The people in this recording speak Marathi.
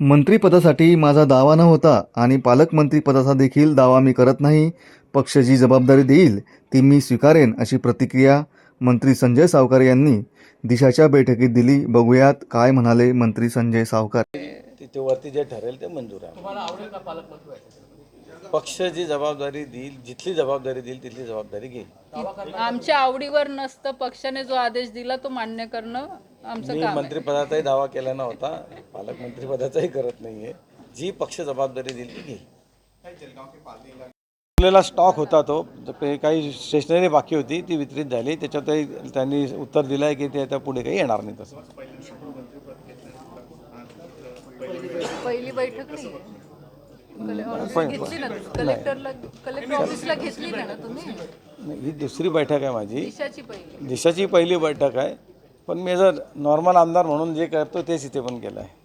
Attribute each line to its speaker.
Speaker 1: मंत्रिपदासाठी माझा दावा नव्हता आणि पालकमंत्रीपदाचा देखील दावा मी करत नाही. पक्ष जी जबाबदारी देईल ती मी स्वीकारेन, अशी प्रतिक्रिया मंत्री संजय सावकार यांनी दिशाच्या बैठकीत दिली. बघूयात काय म्हणाले मंत्री संजय सावकार.
Speaker 2: तिथे वरती जे ठरेल ते मंजूर आहे.
Speaker 3: तुम्हाला आवडेल का पालकमंत्री व्हायचं?
Speaker 2: पक्ष जी जबाबदारी देईल, जिथली जबाबदारी देईल तिथली जबाबदारी घेईल.
Speaker 4: आमच्या आवडीवर नसतं, पक्षाने जो आदेश दिला तो मान्य करणं आमचं
Speaker 2: मी
Speaker 4: काम आहे.
Speaker 2: मंत्रिपदाचाही दावा केला नव्हता, पालकमंत्रीपदाचाही करत नाहीये. जी पक्ष जबाबदारी देईल ती घेईल. आपल्याला स्टॉक होता तो काही स्टेशनरी बाकी होती ती वितरित झाली. त्याच्यातही त्यांनी उत्तर दिलं आहे की ते आता पुढे काही येणार नाही. तसं
Speaker 4: पहिली बैठक नाही घेतली ना, कलेक्टर ऑफिसला घेतली ना तुम्ही.
Speaker 2: ही दुसरी बैठक आहे माझी.
Speaker 4: दिशाची पहिली
Speaker 2: दिशाची पहिली बैठक आहे. पण मी जर नॉर्मल आमदार म्हणून जे करतो तेच इथे पण केलं आहे.